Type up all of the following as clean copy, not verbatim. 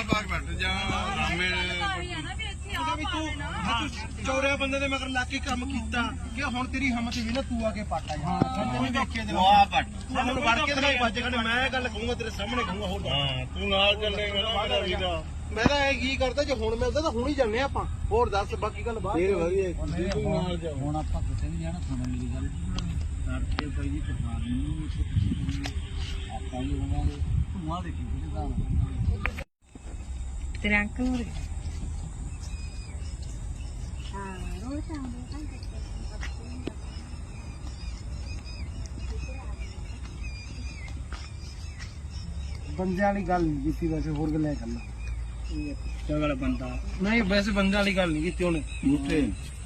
ਬਾਗ ਬੈਠ ਜਾ ਰਾਮੇ ਚੌਰਿਆ ਬੰਦੇ ਦੇ ਮਗਰ ਲੱਗ ਕੇ ਕੰਮ ਕੀਤਾ ਕਿ ਹੁਣ ਤੇਰੀ ਹਿੰਮਤ ਵੀ ਨਾ ਤੂੰ ਆ ਕੇ ਪੱਟ ਆ ਤੈਨੂੰ ਦੇਖਿਆ ਤੇ ਵਾਹ ਪੱਟ ਸਾਨੂੰ ਵੜ ਕੇ ਤੇ ਵੱਜ ਗਏ ਮੈਂ ਇਹ ਗੱਲ ਕਹੂੰਗਾ ਤੇਰੇ ਸਾਹਮਣੇ ਕਹੂੰਗਾ ਹੋਰ ਹਾਂ ਤੂੰ ਨਾਲ ਚੱਲੇਗਾ ਮੇਰਾ ਵੀਰਾ ਮੈਂ ਤਾਂ ਇਹ ਕੀ ਕਰਦਾ ਜੇ ਹੁਣ ਮਿਲਦਾ ਤਾਂ ਹੁਣ ਹੀ ਜਾਂਦੇ ਆਪਾਂ ਹੋਰ ਦੱਸ ਬਾਕੀ ਗੱਲ ਬਾਅਦ ਫੇਰ ਵਧੀਆ ਨਾਲ ਜਾ ਹੁਣ ਆਪਾਂ ਕਿਤੇ ਨਹੀਂ ਜਾਣਾ ਸੁਣ ਮੇਰੀ ਗੱਲ ਕਰਕੇ ਭਾਈ ਜੀ ਪਠਾਨ ਨੂੰ ਆਪਾਂ ਹੀ ਹੋਵਾਂਗੇ ਤੂੰ ਆ ਦੇਖੀ ਕਿਹਦਾ ਤੇਰੇ ਅੰਕਲ ਨੂੰ ਬੰਦਿਆਂ ਵਾਲੀ ਗੱਲ ਨਹੀਂ ਕੀਤੀ ਵੈਸੇ ਹੋਰ ਗੱਲਾਂ ਕਰਨਾ ਚਗੜਾ ਬੰਦਾ ਨਹੀਂ ਵੈਸੇ ਬੰਦਿਆਂ ਵਾਲੀ ਗੱਲ ਨਹੀਂ ਕੀਤੀ ਉਹਨੇ ਝੂਠੇ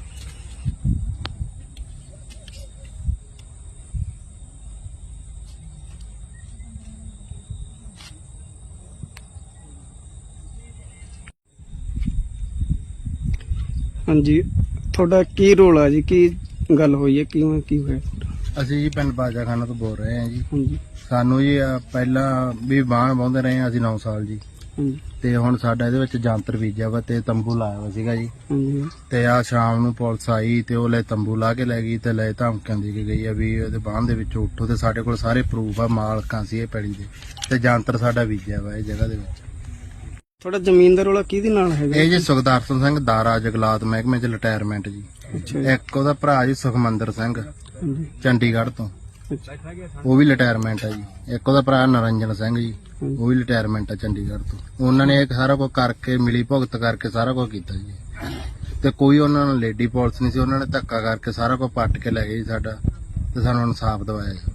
ਹਾਂਜੀ ਤੁਹਾਡਾ ਕੀ ਰੋਲ ਆ ਜੀ ਕੀ ਗੱਲ ਹੋਈ ਹੈ ਕਿਵੇਂ ਕੀ ਹੋਇਆ ਅਸੀਂ ਜੀ ਪਿੰਡ ਬਾਜਾਖਾਨਾ ਤੋਂ ਬੋਲ ਰਹੇ ਹਾਂ ਜੀ ਹਾਂਜੀ ਸਾਨੂੰ ਜੀ ਪਹਿਲਾਂ ਵੀ ਬਾਣ ਵਾਹੁੰਦੇ ਰਹੇ ਹਾਂ ਅਸੀਂ 9 ਸਾਲ ਜੀ ਹਾਂਜੀ ਤੇ ਹੁਣ ਸਾਡਾ ਇਹਦੇ ਵਿੱਚ ਜਾਂਤਰ ਬੀਜਿਆ ਵਾ ਤੇ ਤੰਬੂ ਲਾਇਆ ਵਾ ਸੀਗਾ ਜੀ ਹਾਂਜੀ ਤੇ ਆ ਸ਼ਾਮ ਨੂੰ ਪੁਲਿਸ ਆਈ ਤੇ ਉਹ ਲੈ ਤੰਬੂ ਲਾ ਕੇ ਲੈ ਗਈ ਤੇ ਲੈ ਧਮਕੀਆਂ ਦੇ ਕੇ ਗਈ ਆ ਵੀ ਉਹਦੇ ਬਾਣ ਦੇ ਵਿੱਚੋਂ ਉੱਠੋ ਤੇ ਸਾਡੇ ਕੋਲ ਸਾਰੇ ਪ੍ਰੂਫ ਆ ਮਾਲਕਾਂ ਸੀ ਇਹ ਪੈੜੀ ਦੇ ਤੇ ਜਾਂਤਰ ਸਾਡਾ ਬੀਜਿਆ ਵਾ ਇਹ ਜਗ੍ਹਾ ਦੇ ਵਿੱਚ। ਤੁਹਾਡਾ ਜ਼ਮੀਨ ਦਾ ਰੋਲਾ ਕਿਹਦੇ ਨਾਲ ਹੈਗਾ ਇਹ ਜੀ ਸੁਖਦਰਸ਼ਨ ਸਿੰਘ ਦਾਰਾ ਜਗਲਾਤ ਮਹਿਕਮੇ ਚ ਰਿਟਾਇਰਮੈਂਟ ਜੀ ਅੱਛਾ ਜੀ, ਇੱਕ ਉਹਦਾ ਭਰਾ ਜੀ ਸੁਖਮੰਦਰ ਸਿੰਘ ਹਾਂਜੀ ਚੰਡੀਗੜ੍ਹ ਤੋਂ ਅੱਛਾ ਉਹ ਵੀ ਰਿਟਾਇਰਮੈਂਟ ਆ ਜੀ। ਇੱਕ ਉਹਦਾ ਭਰਾ ਨਰਿੰਜਨ ਸਿੰਘ ਜੀ ਉਹ ਵੀ ਰਿਟਾਇਰਮੈਂਟ ਆ ਚੰਡੀਗੜ੍ਹ ਤੋਂ। ਉਹਨਾਂ ਨੇ ਇਹ ਸਾਰਾ ਕੁਝ ਕਰਕੇ ਮਿਲੀ ਭੁਗਤ ਕਰਕੇ ਸਾਰਾ ਕੁਝ ਕੀਤਾ ਜੀ ਤੇ ਕੋਈ ਉਹਨਾਂ ਨੂੰ ਲੇਡੀ ਪੁਲਿਸ ਨਹੀਂ ਸੀ। ਉਹਨਾਂ ਨੇ ਧੱਕਾ ਕਰਕੇ ਸਾਰਾ ਕੁਝ ਪੱਟ ਕੇ ਲੈ ਗਏ ਜੀ ਸਾਡਾ ਤੇ ਸਾਨੂੰ ਇਨਸਾਫ ਦਿਵਾਇਆ ਜੀ।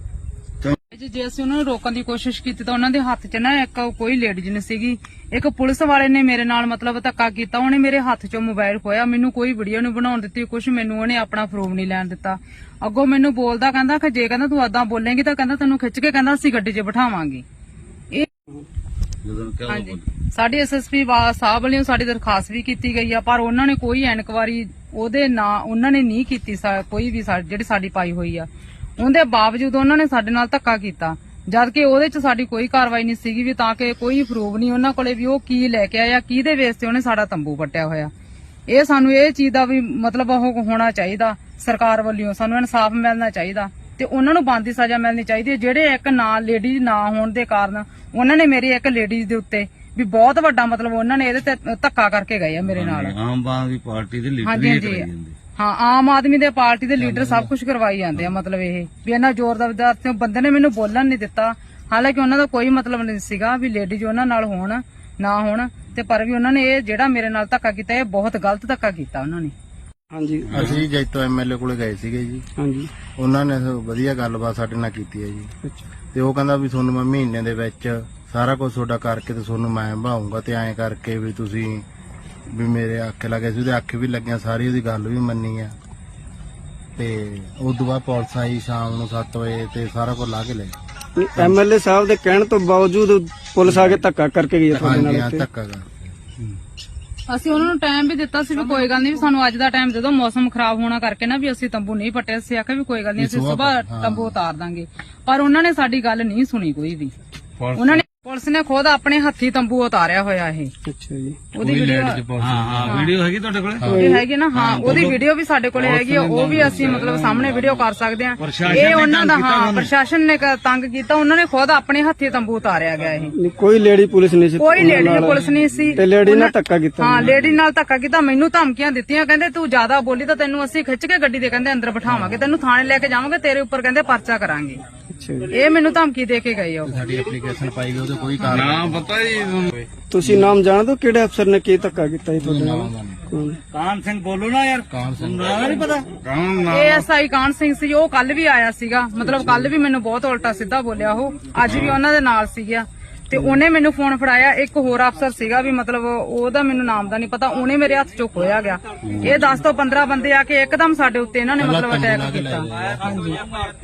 ਜੇ ਅਸੀਂ ਉਹਨਾਂ ਨੂੰ ਰੋਕਣ ਦੀ ਕੋਸ਼ਿਸ਼ ਕੀਤੀ ਤਾਂ ਉਹਨਾਂ ਦੇ ਹੱਥ 'ਚ ਨਾ ਇੱਕ ਕੋਈ ਲੇਡੀਜ਼ ਨਹੀਂ ਸੀਗੀ। ਇੱਕ ਪੁਲਿਸ ਵਾਲੇ ਨੇ ਮੇਰੇ ਨਾਲ ਮਤਲਬ ਧੱਕਾ ਕੀਤਾ। ਉਹਨੇ ਮੇਰੇ ਹੱਥ 'ਚੋਂ ਮੋਬਾਈਲ ਖੋਇਆ। ਮੈਨੂੰ ਕੋਈ ਵੀਡੀਓ ਨਹੀਂ ਬਣਾਉਣ ਦਿੱਤੀ ਕੁਝ ਮੈਨੂੰ ਉਹਨੇ ਆਪਣਾ ਪ੍ਰੂਫ ਨਹੀਂ ਲੈਣ ਦਿੱਤਾ। ਅੱਗੋਂ ਮੈਨੂੰ ਬੋਲਦਾ ਕਹਿੰਦਾ ਕਿ ਜੇ ਕਹਿੰਦਾ ਤੂੰ ਏਦਾਂ ਬੋਲੇਂਗੀ ਤਾਂ ਕਹਿੰਦਾ ਤੈਨੂੰ ਖਿੱਚ ਕੇ ਕਹਿੰਦਾ ਅਸੀਂ ਗੱਡੀ 'ਚ ਬਿਠਾਵਾਂਗੇ। ਇਹ ਹਾਂਜੀ ਸਾਡੀ ਐਸਐਸਪੀ ਸਾਹਿਬ ਵੱਲੋਂ ਸਾਡੀ ਦਰਖਾਸਤ ਵੀ ਕੀਤੀ ਗਈ ਆ ਪਰ ਉਹਨਾਂ ਨੇ ਕੋਈ ਇਨਕੁਆਰੀ ਉਹਦੇ ਨਾਂ ਉਹਨਾਂ ਨੇ ਨਹੀਂ ਕੀਤੀ ਕੋਈ ਵੀ ਜਿਹੜੀ ਸਾਡੀ ਪਾਈ ਹੋਈ ਆ। ਉਹਦੇ ਬਾਵਜੂਦ ਉਹਨਾਂ ਨੇ ਸਾਡੇ ਨਾਲ ਧੱਕਾ ਕੀਤਾ ਜਦ ਕਿ ਉਹਦੇ 'ਚ ਸਾਡੀ ਕੋਈ ਕਾਰਵਾਈ ਨਹੀਂ ਸੀਗੀ ਵੀ ਤਾਂ ਕਿ ਕੋਈ ਪ੍ਰੂਫ ਨਹੀਂ ਉਹਨਾਂ ਕੋਲੇ ਵੀ ਉਹ ਕੀ ਲੈ ਕੇ ਆਇਆ ਕਿਹਦੇ ਬੇਸ ਤੇ ਉਹਨੇ ਸਾਡਾ ਤੰਬੂ ਪੱਟਿਆ ਹੋਇਆ। ਇਹ ਸਾਨੂੰ ਇਹ ਚੀਜ਼ ਦਾ ਵੀ ਮਤਲਬ ਉਹ ਹੋਣਾ ਚਾਹੀਦਾ ਸਰਕਾਰ ਵੱਲੋਂ ਸਾਨੂੰ ਇਨਸਾਫ ਮਿਲਣਾ ਚਾਹੀਦਾ ਤੇ ਉਹਨਾਂ ਨੂੰ ਬਣਦੀ ਸਜ਼ਾ ਮਿਲਣੀ ਚਾਹੀਦੀ ਹੈ। ਜਿਹੜੇ ਇੱਕ ਨਾਲ ਲੇਡੀਜ਼ ਨਾ ਹੋਣ ਦੇ ਕਾਰਨ ਉਹਨਾਂ ਨੇ ਮੇਰੀ ਇੱਕ ਲੇਡੀਜ਼ ਦੇ ਉੱਤੇ ਵੀ ਬਹੁਤ ਵੱਡਾ ਮਤਲਬ ਉਹਨਾਂ ਨੇ ਇਹਦੇ ਤੇ ਧੱਕਾ ਕਰਕੇ ਗਏ ਆ ਮੇਰੇ ਨਾਲ। ਆਮ ਆਦਮੀ ਪਾਰਟੀ ਦੇ ਲੀਡਰ ਹਾਂਜੀ ਹਾਂਜੀ ਹਾਂ ਆਮ ਆਦਮੀ ਦੇ ਪਾਰਟੀ ਦੇ ਲੀਡਰ ਸਭ ਕੁਝ ਕਰਵਾਈ ਜਾਂਦੇ ਆ। ਮਤਲਬ ਇਹ ਵੀ ਇਹਨਾਂ ਜ਼ੋਰਦਾਰ ਤੇ ਬੰਦੇ ਨੇ ਮੈਨੂੰ ਬੋਲਣ ਨਹੀਂ ਦਿੱਤਾ। ਹਾਲਾਂਕਿ ਉਹਨਾਂ ਦਾ ਕੋਈ ਮਤਲਬ ਨਹੀਂ ਸੀਗਾ ਵੀ ਲੇਡੀਜ਼ ਉਹਨਾਂ ਨਾਲ ਹੋਣ ਨਾ ਹੋਣ ਤੇ ਪਰ ਵੀ ਉਹਨਾਂ ਨੇ ਇਹ ਜਿਹੜਾ ਮੇਰੇ ਨਾਲ ਧੱਕਾ ਕੀਤਾ ਇਹ ਬਹੁਤ ਗਲਤ ਧੱਕਾ ਕੀਤਾ ਉਹਨਾਂ ਨੇ। ਹਾਂਜੀ ਅਸੀਂ ਜੈਤੋ ਐਮਐਲਏ ਕੋਲੇ ਗਏ ਸੀਗੇ ਜੀ। ਹਾਂਜੀ ਉਹਨਾਂ ਨੇ ਵਧੀਆ ਗੱਲਬਾਤ ਸਾਡੇ ਨਾਲ ਕੀਤੀ ਹੈ ਜੀ ਅੱਛਾ ਤੇ ਉਹ ਕਹਿੰਦਾ ਵੀ ਤੁਹਾਨੂੰ ਮੈਂ ਮਹੀਨੇ ਦੇ ਵਿੱਚ ਸਾਰਾ ਕੁਝ ਤੁਹਾਡਾ ਕਰਕੇ ਤੇ ਤੁਹਾਨੂੰ ਮੈਂ ਭਾਉਂਗਾ ਤੇ ਐਂ ਕਰਕੇ ਵੀ ਤੁਸੀਂ ਵੀ ਮੇਰੇ ਆਖੇ ਲੱਗੇ ਸੀ ਉਹਦੇ ਆਖੇ ਵੀ ਲੱਗਿਆ ਸਾਰੀ ਉਹਦੀ ਗੱਲ ਵੀ ਮੰਨੀ ਆ ਤੇ ਉਸ ਤੋਂ ਬਾਅਦ ਪੁਲਿਸ ਆਈ ਸ਼ਾਮ ਨੂੰ 7 ਵਜੇ ਤੇ ਸਾਰਾ ਕੁਝ ਲਾ ਕੇ ਲੈ ਗਈ। ਐਮਐਲਏ ਸਾਹਿਬ ਦੇ ਕਹਿਣ ਤੋਂ ਬਾਵਜੂਦ ਪੁਲਿਸ ਆ ਕੇ ਧੱਕਾ ਕਰਕੇ ਗਈ ਹੈ ਤੁਹਾਡੇ ਹਾਂਜੀ ਨਾਲ ਹਾਂ ਇੱਥੇ। ਧੱਕਾ ਕਰ ਅਸੀਂ ਉਹਨਾਂ ਨੂੰ ਟਾਈਮ ਵੀ ਦਿੱਤਾ ਸੀ ਵੀ ਕੋਈ ਗੱਲ ਨਹੀਂ ਵੀ ਸਾਨੂੰ ਅੱਜ ਦਾ ਟਾਈਮ ਦੇ ਦਿਓ ਮੌਸਮ ਖਰਾਬ ਹੋਣਾ ਕਰਕੇ ਨਾ ਵੀ ਅਸੀਂ ਤੰਬੂ ਨਹੀਂ ਪੱਟੇ। ਅਸੀਂ ਆਖਿਆ ਵੀ ਕੋਈ ਗੱਲ ਨਹੀਂ ਅਸੀਂ ਸਵੇਰ ਤੰਬੂ ਉਤਾਰ ਦਾਂਗੇ ਪਰ ਉਹਨਾਂ ਨੇ ਸਾਡੀ ਗੱਲ ਨਹੀਂ ਸੁਣੀ ਕੋਈ ਵੀ। ਉਹਨਾਂ ਨੇ ਪੁਲਿਸ ਨੇ ਖੁਦ ਆਪਣੇ ਹੱਥੀ ਤੰਬੂ ਉਤਾਰਿਆ ਹੋਇਆ ਇਹ। ਅੱਛਾ ਜੀ ਉਹਦੀ ਵੀਡੀਓ ਹਾਂ ਵੀਡੀਓ ਹੈਗੀ ਤੁਹਾਡੇ ਕੋਲ ਇਹ ਹੈਗੀ ਨਾ ਹਾਂ ਉਹਦੀ ਵੀਡੀਓ ਵੀ ਸਾਡੇ ਕੋਲੇ ਹੈਗੀ ਆ। ਉਹ ਵੀ ਅਸੀਂ ਮਤਲਬ ਸਾਹਮਣੇ ਵੀਡੀਓ ਕਰ ਸਕਦੇ ਆ। ਇਹ ਉਹਨਾਂ ਦਾ ਹਾਂ ਪ੍ਰਸ਼ਾਸਨ ਨੇ ਤੰਗ ਕੀਤਾ। ਉਹਨਾਂ ਨੇ ਖੁਦ ਆਪਣੇ ਹੱਥੀ ਤੰਬੂ ਉਤਾਰਿਆ ਗਿਆ ਇਹ। ਨਹੀਂ, ਕੋਈ ਲੇਡੀ ਪੁਲਿਸ ਨਹੀਂ ਸੀ ਕੋਈ ਲੇਡੀ ਪੁਲਿਸ ਨਹੀਂ ਸੀ ਤੇ ਲੇਡੀ ਨਾਲ ਧੱਕਾ ਕੀਤਾ ਹਾਂ ਲੇਡੀ ਨਾਲ ਧੱਕਾ ਕੀਤਾ। ਮੈਨੂੰ ਧਮਕੀਆਂ ਦਿੱਤੀਆਂ ਕਹਿੰਦੇ ਤੂੰ ਜ਼ਿਆਦਾ ਬੋਲੀ ਤਾਂ ਤੈਨੂੰ ਅਸੀਂ ਖਿੱਚ ਕੇ ਗੱਡੀ ਦੇ ਕਹਿੰਦੇ ਅੰਦਰ ਬਿਠਾਵਾਂਗੇ ਤੈਨੂੰ ਥਾਣੇ ਲੈ ਕੇ ਜਾਵਾਂਗੇ ਤੇਰੇ ਉੱਪਰ ਕਹਿੰਦੇ ਪਰਚਾ ਕਰਾਂਗੇ। ਅੱਛਾ ਜੀ ਇਹ ਮੈਨੂੰ ਧਮਕੀ ਦੇ ਕੇ ਗਏ ਆ ਉਹ। ਸਾਡੀ ਐਪਲੀਕੇਸ਼ਨ ਪਾਈ ਗਈ ਉਹਦੇ ਕੋਈ ਕਾਰਨ ਨਾਮ ਪਤਾ ਜੀ ਤੁਸੀਂ ਨਾਮ ਜਾਣਦੇ ਹੋ ਕਿਹੜੇ ਅਫਸਰ ਨੇ ਕੀ ਧੱਕਾ ਕੀਤਾ ਜੀ ਤੁਹਾਡੇ ਨਾਲ ਕੌਣ? ਕਾਨ ਸਿੰਘ ਬੋਲੋ ਨਾ ਯਾਰ ਕਾਨ ਸਿੰਘ ਨਹੀਂ ਪਤਾ ਕਾਨ ASI ਕਾਨ ਸਿੰਘ ਸੀ ਉਹ ਕੱਲ ਵੀ ਆਇਆ ਸੀਗਾ। ਮਤਲਬ ਕੱਲ ਵੀ ਮੈਨੂੰ ਬਹੁਤ ਉਲਟਾ ਸਿੱਧਾ ਬੋਲਿਆ ਉਹ ਅੱਜ ਵੀ ਉਹਨਾਂ ਦੇ ਨਾਲ ਸੀਗਾ ਤੇ ਉਹਨੇ ਮੈਨੂੰ ਫੋਨ ਫੜਾਇਆ। ਇੱਕ ਹੋਰ ਅਫਸਰ ਸੀਗਾ ਵੀ ਮਤਲਬ ਉਹਦਾ ਮੈਨੂੰ ਨਾਮ ਦਾ ਨਹੀਂ ਪਤਾ ਉਹਨੇ ਮੇਰੇ ਹੱਥ ਚੋਂ ਖੋਇਆ ਗਿਆ। ਇਹ 10 ਤੋਂ 15 ਬੰਦੇ ਆ ਕੇ ਇੱਕਦਮ ਸਾਡੇ ਉੱਤੇ ਇਹਨਾਂ ਨੇ ਮਤਲਬ ਅਟੈਕ ਕੀਤਾ। ਹਾਂਜੀ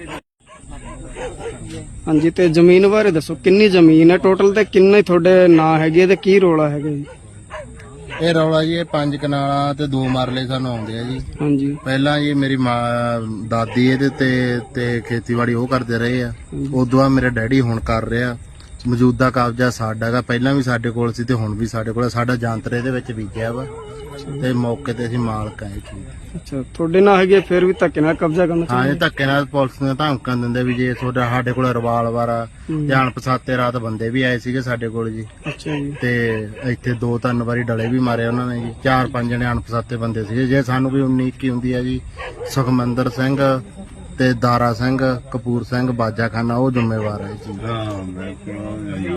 ਹਾਂਜੀ ਤੇ ਜ਼ਮੀਨ ਬਾਰੇ ਦੱਸੋ ਕਿੰਨੀ ਜ਼ਮੀਨ ਹੈ ਟੋਟਲ ਤੇ ਕਿੰਨੇ ਤੁਹਾਡੇ ਨਾਂ ਹੈਗੇ ਤੇ ਕੀ ਰੋਲਾ ਹੈਗਾ ਜੀ? ਇਹ ਰੌਲਾ ਜੀ ਇਹ 5 ਕਨਾਲਾਂ ਤੇ 2 ਮਰਲੇ ਸਾਨੂੰ ਆਉਂਦੇ ਆ ਜੀ। ਹਾਂਜੀ ਪਹਿਲਾਂ ਜੀ ਮੇਰੀ ਮਾਂ ਦਾਦੀ ਇਹਦੇ ਤੇ ਖੇਤੀਬਾੜੀ ਉਹ ਕਰਦੇ ਰਹੇ ਆ। ਉਦੋਂ ਬਾਅਦ ਮੇਰੇ ਡੈਡੀ ਹੁਣ ਕਰ ਰਿਹਾ ਮੌਜੂਦਾ ਕਬਜ਼ਾ ਸਾਡਾ ਹੈਗਾ, ਪਹਿਲਾਂ ਵੀ ਸਾਡੇ ਕੋਲ ਸੀ ਤੇ ਹੁਣ ਵੀ ਸਾਡੇ ਕੋਲ ਹੈ। ਸਾਡਾ ਜਾਂਤਰ ਇਹਦੇ ਵਿੱਚ ਬੀਜਿਆ ਵਾ ਤੇ ਮੌਕੇ ਤੇ ਅਸੀਂ ਮਾਲਕ ਆ ਇਹ ਚੀਜ਼ ਦੇ। ਅੱਛਾ ਤੁਹਾਡੇ ਨਾਲ ਹੈਗੇ ਫਿਰ ਵੀ ਧੱਕੇ ਨਾਲ ਕਬਜ਼ਾ ਕਰਨਾ ਹਾਂ ਚਾਹੁੰਦੇ ਇਹ ਧੱਕੇ ਨਾਲ ਪੁਲਿਸ ਨੇ ਧਮਕਾਂ ਦਿੰਦੇ ਵੀ ਜੇ ਤੁਹਾਡਾ ਸਾਡੇ ਕੋਲ ਰਿਵਾਲਵਰ ਆ ਤੇ ਅਣਪਛਾਤੇ ਰਾਤ ਬੰਦੇ ਵੀ ਆਏ ਸੀਗੇ ਸਾਡੇ ਕੋਲ ਜੀ ਅੱਛਾ ਜੀ ਤੇ ਇੱਥੇ 2-3 ਵਾਰੀ ਡਲੇ ਵੀ ਮਾਰੇ ਉਹਨਾਂ ਨੇ ਜੀ। 4-5 ਜਣੇ ਅਣਪਛਾਤੇ ਬੰਦੇ ਸੀਗੇ। ਜੇ ਸਾਨੂੰ ਕੋਈ 19-21 ਹੁੰਦੀ ਆ ਜੀ, ਸੁਖਮੰਦਰ ਸਿੰਘ ਤੇ ਦਾਰਾ ਸਿੰਘ, ਕਪੂਰ ਸਿੰਘ, ਬਾਜਾਖਾਨਾ ਉਹ ਜ਼ਿੰਮੇਵਾਰ ਹੈ ਜੀ।